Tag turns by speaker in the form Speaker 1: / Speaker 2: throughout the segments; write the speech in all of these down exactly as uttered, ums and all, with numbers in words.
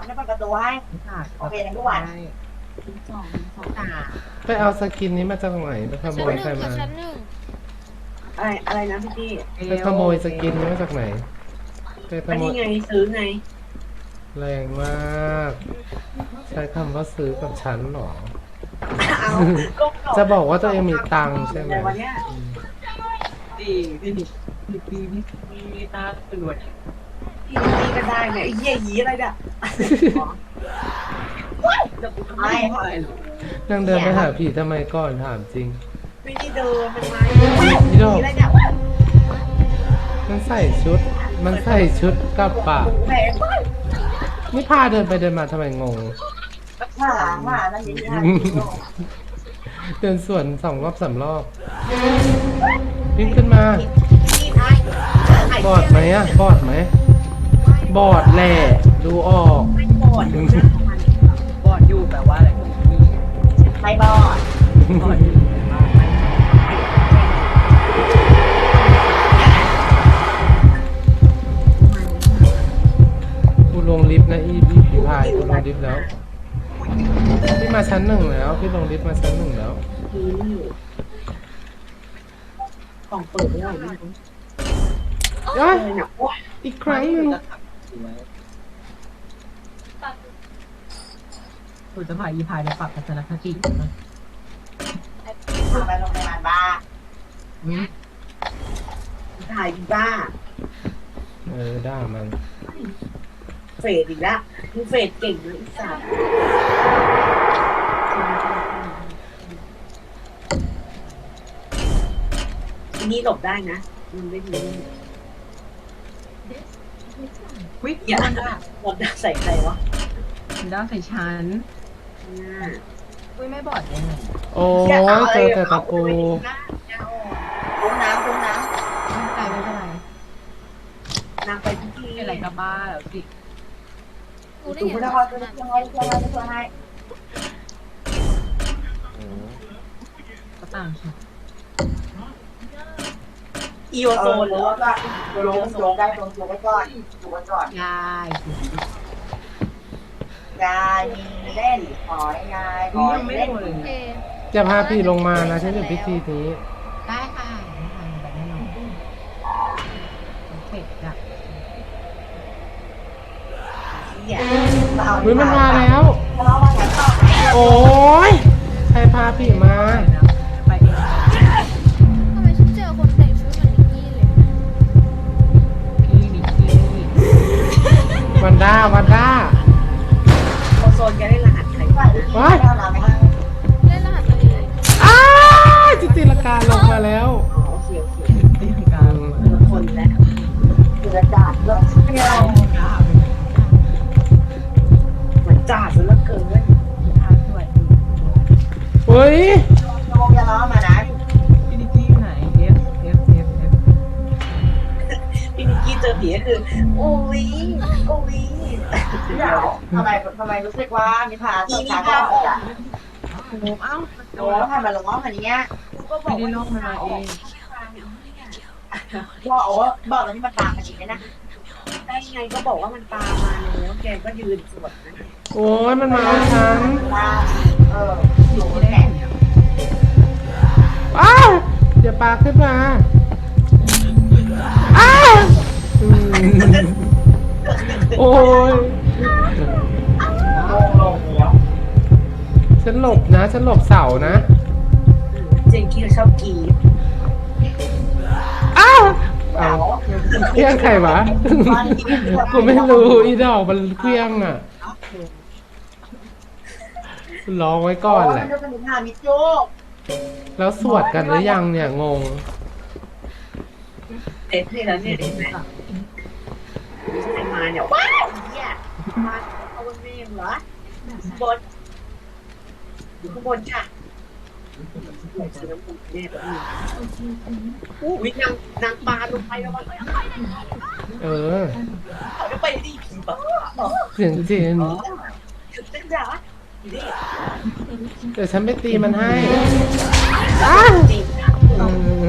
Speaker 1: จะเปิดประตูให้โอเคทั้งทุกวัน
Speaker 2: สองสอง
Speaker 1: อ่า
Speaker 3: ไปเอาสกินนี้มาจากไหนไปขโม
Speaker 4: ชั้น
Speaker 3: ย
Speaker 4: หนึ่
Speaker 3: ใครง มา
Speaker 4: ค่ะชั้นหนึ่ง
Speaker 1: อะไรอะไรนะพี่พี่
Speaker 3: ไปขโมยสกินนี้มาจากไหนไปข
Speaker 1: อัน
Speaker 3: โม
Speaker 1: นี้
Speaker 3: ย
Speaker 1: ไงซื้อไง
Speaker 3: แรงมาก ใช้คำว่าซื้อกับฉันหรอ
Speaker 1: เอาก็
Speaker 3: จะบอกว่าตัวเองมีตังค์ใช่ไหม
Speaker 1: วันเนี้ย
Speaker 2: ดีดีดีดีดีมีตาตรวจ
Speaker 1: พี่พี่ก็ได้ไงไอ้เหี้ยหีอะไรเนี่ย
Speaker 2: จะกูทำไมอะไรหรอ
Speaker 3: นั่งเดินไปหาผีทำไมก่อนถามจริง
Speaker 1: ไม่ได้เดินมันมา
Speaker 3: พี่ดอก
Speaker 1: อะไรเนี่ย
Speaker 3: มันใส่ชุด มันใส่ชุดกับปะ
Speaker 1: แหม
Speaker 3: นี่พาเดินไปเดินมาทำไมงง
Speaker 1: ว่าว่านั่นนี่นะ
Speaker 3: เดินสวนสองรอบสามรอบวิ่งขึ้นมา
Speaker 1: พี่ไอ้
Speaker 3: บอดไหมอะบอดไหม บอดแหละดูออก
Speaker 1: ไม่บอดอยู่นะ
Speaker 2: บอดอยู่แปลว่าอะไรมี
Speaker 1: ไม่บอด
Speaker 2: บอดอยู่แปลว่าไม่
Speaker 3: กูลงลิฟต์นะอีพี่ผีพายกูลงลิฟต์แล้ว พี่มาชั้นหนึ่งแล้ว พี่ลงลิฟต์มาชั้นหนึ่งแล้ว
Speaker 1: กล่องเปิดไม่ได้ไม่รู้
Speaker 3: เอ้ย
Speaker 1: เนี่ยโอ้ย
Speaker 3: อีกครั้งหนึ่ง
Speaker 2: คุณจะพาอีพายไปปรับทัศนคตินะ
Speaker 1: พาไปโรงพยาบาลบ้า
Speaker 2: อืม
Speaker 1: ถ่ายบ้า
Speaker 3: เออด่ามัน
Speaker 1: เฟดอีกแล้วมึงเฟดเก่งเลยอีสัตว์ทีนี้หลบได้นะมันไม่รู้
Speaker 2: วิก
Speaker 1: อย่า
Speaker 2: มันได้
Speaker 1: หลบได้ใส่ใครวะ
Speaker 2: มันได้ใส่ชั้น
Speaker 1: เนี่ย
Speaker 2: วิไม่บอดยังไง
Speaker 3: โอ้ยเจอแต่ตะปู
Speaker 1: คุ้มน้ำคุ้มน้
Speaker 2: ไม่เป็นไรไม่เป็นไร
Speaker 1: ำนางไปทุกที่
Speaker 2: เป็นไรกับบ้าแล้วสิ
Speaker 4: กูได้
Speaker 1: ถูก
Speaker 4: เห็น
Speaker 1: พุทธ
Speaker 4: ว่า
Speaker 1: ครจะช่วยให้ช่วยให้ช่วยให้
Speaker 2: ก็ต่างค่ะ
Speaker 1: อีโอโซนหรือว่าลงลงได้ลงลงไว้ก่อนลงไว้ก่อน
Speaker 2: ยาย
Speaker 1: ยายมีเล่นขอยยายข
Speaker 2: วิ
Speaker 1: อ
Speaker 2: ยังไม่
Speaker 1: เล่น
Speaker 2: โดนเลย
Speaker 4: โอเค
Speaker 3: จะพาพี่ลงมานะฉันอยู่พิธีนี้
Speaker 2: ได้ค่ะไม่ทำแบบแน่นอนเสร็จจ้ะ
Speaker 1: เนี่ย
Speaker 3: เฮ้ยมันมาแล้ว
Speaker 1: ทะเลาะมาแถวต่อ
Speaker 3: โอ้ยใครพาพี่มา
Speaker 2: ไปเอง
Speaker 4: ทำไมฉันเจอคนแต่งชุดเหมือนนิกกี้เลย
Speaker 2: พี่นิกกี้
Speaker 3: วันด้าวันด้า
Speaker 1: โอโซนจะได้รหัสใครบ้าง
Speaker 3: ว้าย
Speaker 4: เล่นรหัสตัวเอง
Speaker 3: อ้าจิติลการลงมาแล้ว
Speaker 1: โอเคโอเค
Speaker 2: ตีลังกาลงมา
Speaker 1: คนแล้วคือกระจาดเลิกเที่ยวเหมือนจ่าซะเหลือเกิน
Speaker 2: อาสวย
Speaker 3: เฮ้ย
Speaker 1: โยมอย่าล้อมานะ
Speaker 2: พี่นิกกี้อยู่ไหน F F F F
Speaker 1: พี่นิกกี้เจอผีก็คือโอ้ยโอ้ยเดี๋ยวทำไมทำไมรู้สึกว่านิพาสขาก็ออกอ่ะ
Speaker 2: โอ้เอ้า
Speaker 1: โอ้แล้วทำมาลงอ้อมแบบนี้ก็บอ
Speaker 2: ไม่
Speaker 1: ก
Speaker 2: ได้
Speaker 1: ว่า
Speaker 2: ลอกมันมาเอง
Speaker 1: บอกว่าบอกตอนนี้มันตามมาจริงนะได้ไงก็บอกว่ามันตามมาแล้วแกก็ยืนสวดนะ
Speaker 3: โอ้ยมันมาเอาฉัน
Speaker 1: ว่าเอออยู่
Speaker 2: ไม่
Speaker 1: แห
Speaker 2: ได้
Speaker 1: ละ
Speaker 3: อ้าวอย่าปากขึ้นมาอ้าวอืมโอ้ย
Speaker 1: ลงลงแล้ว
Speaker 3: ฉันหลบนะ ฉันหลบเสานะ
Speaker 1: เจงกี้ชอบกี
Speaker 3: อ้าว
Speaker 1: เห
Speaker 3: เอา
Speaker 1: งา
Speaker 3: เครื่องใครวะ กูไม่รู้อีดอกมันเครื่องอ่ะร้องไว้ก่อนแหละ
Speaker 1: มันจะเป็นหามิโจ
Speaker 3: แล้วสวดกันหรือยังเนี่ยงง
Speaker 1: เด็ดนี่แล้วเนี่ยเด็ดไหมใครมาเนี่ยว้าวเนี่ยมาเอาบนเมงเหรอบนอยู่ข้างบนค่ะวิ่งนางนางปลาลงไปแล้วมัน
Speaker 3: เออ
Speaker 1: เขาจะไปดีผีบ้า
Speaker 3: เสียงเจน
Speaker 1: ถึงเส้นจ๋าดิ
Speaker 3: เดี๋ยวฉันไปตีมันให้อ้าว
Speaker 1: จริง
Speaker 3: เออ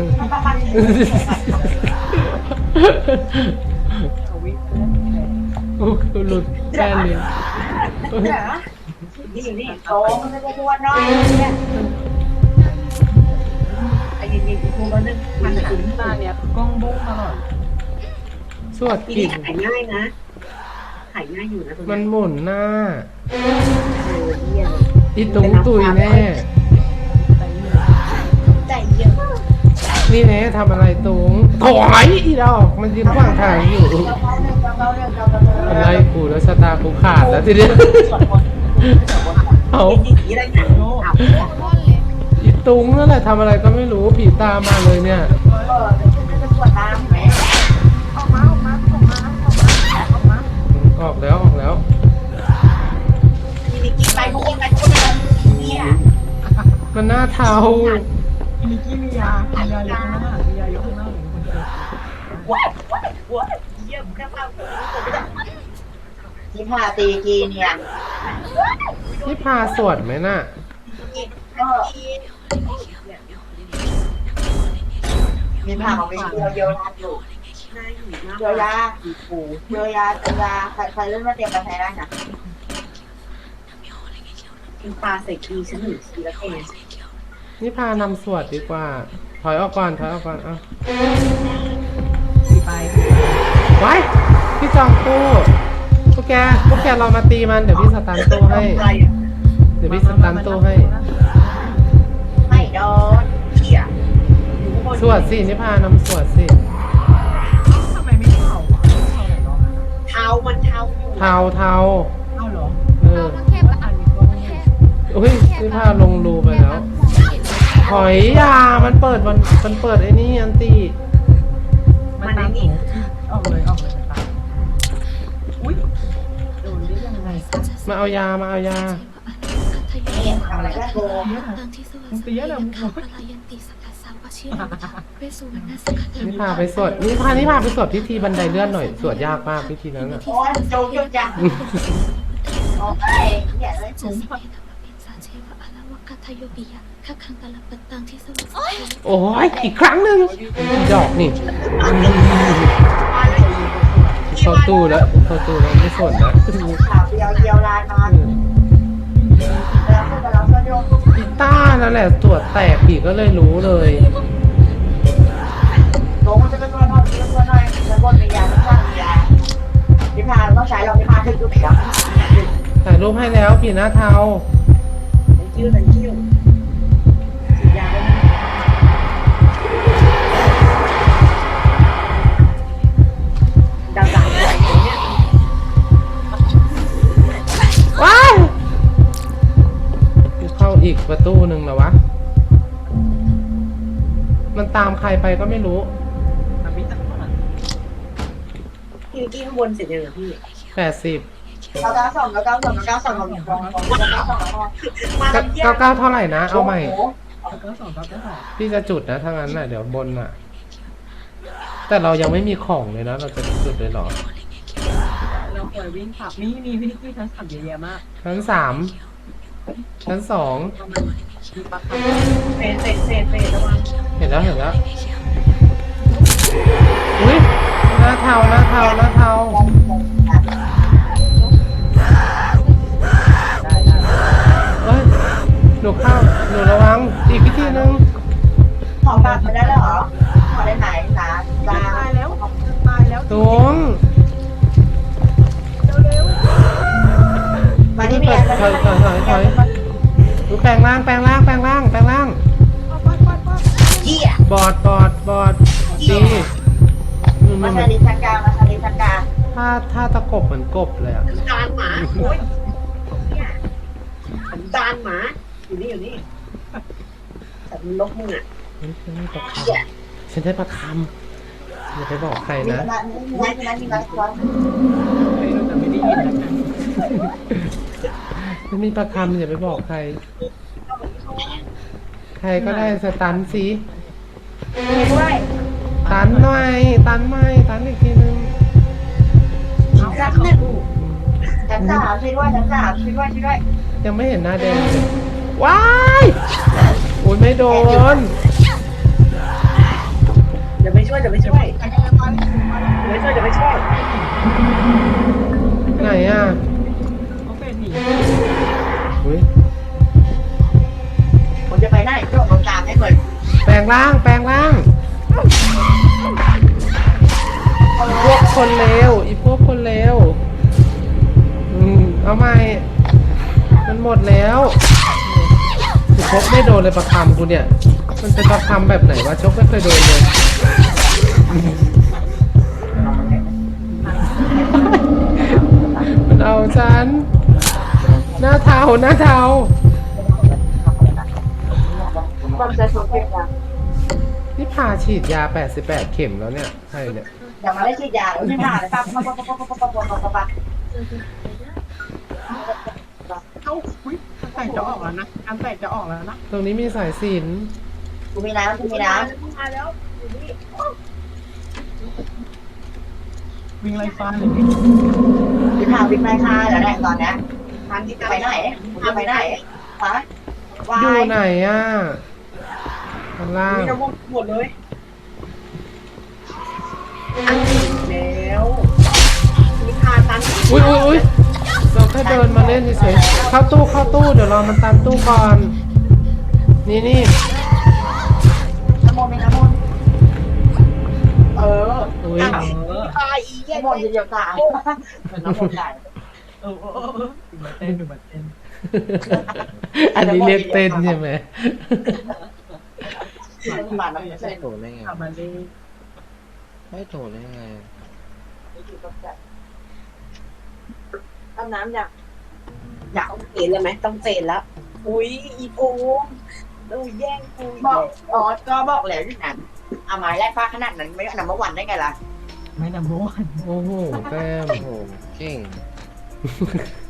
Speaker 2: เขาวิ่งเล่น
Speaker 3: โอ้กูหลุดแค่เลย
Speaker 1: เนี่อยู่นี่โตมันจะกวนน้อยเนี่ยไอ้ยิงยิงกูก็นึกมันถึง
Speaker 2: ตาเนี่ยคือกล้องบุ้งตลอด
Speaker 3: สวด
Speaker 1: ที
Speaker 3: กิ
Speaker 1: นี้
Speaker 3: น
Speaker 1: ขายง่ายนะขายง่ายอยู่นะตรง
Speaker 3: มัน
Speaker 1: นี้
Speaker 3: หมุนหน้า
Speaker 1: เออเยี่ยม
Speaker 3: อีตุงตุยแน่
Speaker 1: ใจเย็น
Speaker 3: นี่แน่ทำอะไรตุงถอยอีดอกมันยืนขวางทางอยู่
Speaker 1: เบาๆเรื่องเบาๆเรื่องเบาๆเรื่อง
Speaker 3: อะไรกูแล้วชะตากูขาดแล้วทีเดียว
Speaker 1: สวดมนต์เอาจริงๆอะไรหนักเอา
Speaker 4: ร่อนเลย
Speaker 3: อีตุงนั่นแหละทำอะไรก็ไม่รู้ผีตามมาเลยเนี่ย
Speaker 1: เออจะสวดตามแหมออกมาออกมาออกมาออกมาออกมา
Speaker 3: ออกแล้วออกแล้ว
Speaker 1: ทีนี้กินไปทุกคนไปทุกคนไปเนี่ย
Speaker 3: มันหน้าเทา
Speaker 2: มีกี้มียามียาเยอะข้างหน้ามียาเยอะข้างหน้าเหมือนคนเจอ
Speaker 1: ว้าวว้าวว้าวเยี่ยมแค่ภาพที่พาตีกีเนี่ย
Speaker 3: นี่พาสวดไหมน่ะ
Speaker 1: มีผ่าของเป็นเดียวเดียวยาอยู่เดียวยาปูเดียวยาเดียวยาใครใครเล่นมาเตรียมกาแฟได้นะกินปลาใส่กีฉันหนึ่งทีละเอง
Speaker 3: นี่พานำสวดดีกว่า ถอยออกก่อนถอยออกก่อนเอ้า
Speaker 2: สีไป
Speaker 3: ไว้พี่จองตู้พวกแกพวกแกเรามาตีมันเดี๋ยวพี่สตันตู้ให้ เดี๋ยวพี่สตันตู้ให้
Speaker 1: ไม่โดนเขี่ย
Speaker 3: สวดสินี่พานำสวดสิ
Speaker 2: ทำไมไม่เผาอ่ะเผาไหนเนาะ
Speaker 1: เท้ามันเท้าอยู่
Speaker 3: เทาเทา
Speaker 2: เผาเหรอ
Speaker 3: เอ
Speaker 4: เอา
Speaker 3: อ
Speaker 4: มันแคบปะอ่ะมันแคบ
Speaker 3: อุ้ยนี่พาลงรูไปแล้ว ถอยยามันเปิดมันมันเปิดไอ้นี่อันตี
Speaker 2: มันตามหนูออกเลยออกเลยตามอุ้ยโดนได้ยังไง
Speaker 3: มาเอายามาเอายา
Speaker 1: เนี่ยทำอะไรก็โกง
Speaker 2: มึงเตี้ยเลยมึง
Speaker 3: นี่พาไปสวดนี่พานี่พาไปสวดพิธีบันไดเลื่อนหน่อยสวดยากมากพิธีนั้นอ่ะ
Speaker 1: โอ้ยโจงจุดจังโอ้ยเนี่ยเลย
Speaker 3: โอ้ยอีกครั้งหนึ่งดอกนี่
Speaker 1: มาเลย
Speaker 3: เข้าตู้แล้วเข้าตู้แล้วไม่สวดแล้ว
Speaker 1: ข่าวเดียวเดียวลายนอนแล้วก็เราก็โยก
Speaker 3: อีต้านั่นแหละตรวจแตกผีก็เลยรู้เลย
Speaker 1: ลงมันจะเป็นตัวน้อยตัวน้อยแล้วบนมียาข้างล่างมียาพิพาต้องใช้เราพิพาถึงจุดไหนครับ
Speaker 3: ถ่ายรูปให้แล้วผีหน้าเทา
Speaker 1: คิ้วแต่คิ้วฉีดยาได้ไหมดาวดาวไหวเนี่ย
Speaker 3: ว้ายเข้าอีกประตูหนึ่งแล้ววะ มันตามใครไปก็ไม่รู้
Speaker 2: ทำมิตรก่อน
Speaker 1: พี่กี้ข้างบนเสร็จยังเหรอพี่
Speaker 3: แปดสิบ
Speaker 1: เก้าเก้าสองเก้าเก้าสองเก้าสองเก้าสองเก้าสองมา
Speaker 3: เก้าเก้าเท่าไหร่นะ เอาใหม่
Speaker 2: เก้าสองเก้าเก้าสอง
Speaker 3: พี่จะจุดนะถ้างั้นน่ะเดี๋ยวบนน่ะ แต่เรายังไม่มีของเลยนะ เราจะจุดเลยเหรอ
Speaker 2: เราเคยวิ่งขับนี่มีพี่นิกกี้ทั้งขับเยอะแยะมาก
Speaker 3: ชั้นสามชั้นสอง
Speaker 2: ประมาณมีปลาขับ
Speaker 1: เฟสเฟสเฟสเฟสระวัง
Speaker 3: เห็นแล้วเห็นแล้ว อุ้ยหน้าเทาหน้าเทาหน้าเทา
Speaker 2: ได้ได้
Speaker 3: เอ้ยหนูเข้าหนูระวังอีกพิธีนึง
Speaker 1: ขอบัตรมาได้แล้วเหรอขอได้ไหนนะลา
Speaker 2: ตายแล้วตายแล้ว
Speaker 3: ตุง
Speaker 1: มาที่
Speaker 3: ถ
Speaker 1: เมี
Speaker 3: อย ยถอยถอยถอยถอยดูแปลงร่างแปลงร่างแปลงร่างแปลงร่าง
Speaker 1: เยี่ย
Speaker 3: บอดบอดบอดดีมัน
Speaker 1: มา
Speaker 3: มัน
Speaker 1: ชาลิชันกามาชาลิชันกา
Speaker 3: ถ้าถ้าตะกบเหมือนกบเลยอ่ะ
Speaker 1: ดานหมาโอ้ยเนี่ยดานหมาอยู่นี่อยู่นี่แต่มันลกมึงอ่ะ
Speaker 3: เฮ้ยฉันได้ประค
Speaker 1: เยี่ย
Speaker 3: ำฉันได้ประคำอย่าไปบอกใคร
Speaker 1: มี
Speaker 3: นะ
Speaker 1: ร้านมีร้านมีร้านมีร้านร้าน
Speaker 2: ไม่รู้แต่ไม่ได้ยินแล้วกัน
Speaker 3: ไม่มีประคำอย่าไปบอกใคร ใครก็ได้สตันสิ
Speaker 1: มีด้วย
Speaker 3: ตันหน่อยตันไม่ตันอีกทีนึง
Speaker 1: ชั้นหนึ่งชั้นสามช่วยด้วยชั้นสามช่วยด้วยช่วยด้วย
Speaker 3: ยังไม่เห็นหน้าแดงเลยว้ายโอ้ยไม่โดน
Speaker 1: เดี๋ยวไปช่วยเดี๋ยวไปช่วยเดี๋ยวไปช่วยเดี๋ยวไปช่วย
Speaker 3: ไหนอ่ะ
Speaker 2: เขาเป็นหนี
Speaker 3: ร่างแปลงร่างพวกคนเลวอีพวกคนเลวอืมเอาใหม่มันหมดแล้วกูชกไม่โดนเลยประคำกูเนี่ยมันเป็นประคำแบบไหนวะชกไม่เคยโดนเลยมันเอาฉันหน้าเทาหน้าเทา
Speaker 1: ความใจสุดเก็บยัง
Speaker 3: นี่พาฉีดยาแปดสิบแปดเข็มแล้วเนี่ยใครเนี่ย
Speaker 1: อย่ามาได้ฉีดยาเลยไม่ผ่านเลยปั๊บปั๊บปั๊บปั๊บปั๊บปั๊บปั๊บปั๊บปั๊บ
Speaker 2: เอ้าอุ้ยการแตกจะออกแล้วนะการแตกจะออกแล้วนะ
Speaker 3: ตรงนี้มีสายสิญจน
Speaker 1: กูมีน้ำกูมีน้
Speaker 2: มาแล้ววิ่งไล่ฟ้าเลยดิ
Speaker 1: ำวิ่งทางวิ่งไล่ฆ่าแล้วแหละตอนเนี้ยทางที่จะไปไหนจะไปไหนฮะวา
Speaker 3: อยู่
Speaker 1: ย
Speaker 3: ไหนอ่ะข้างล่าง
Speaker 2: มีน้ำมันหมดเลย
Speaker 1: แล้วมีคาตัน
Speaker 3: อุ้ยอุ้ยอุ้ยเราแค่เดินมาเล่นเฉยๆเข้าตู้เข้าตู้เดี๋ยวรอมันตามตู้ก่อน นี่นี่
Speaker 1: น้ำมนต์มีน้ำมนต์เออ
Speaker 3: อุ้ย
Speaker 1: ตายอีแย่มนต์จะเดียวตายน้ำมนต์ตาย
Speaker 2: เออเออเออดูมาเต้นดูมาเต้น
Speaker 3: อันนี้เรียกเต้นใช่ไหม
Speaker 1: บาดน้ำเส้น
Speaker 5: โถได้ไง
Speaker 2: ทำมาเลย
Speaker 5: ไม่โถได้ไง
Speaker 1: อาบน้ำอยากอยากเปลี่ยนเลยไหมต้องเปลี่ยนแล้ว อุ้ยอีโพงดูแย่งกูบอกอ๋อก็บอกแล้วที่นั้นเอาไม้แรกฟ้าขนาดนั้นไม่นำมาวันได้ไงล่ะ
Speaker 2: ไม่นำรู้วัน
Speaker 3: โอ้โหแต้ม
Speaker 5: โอ้โหเก่ง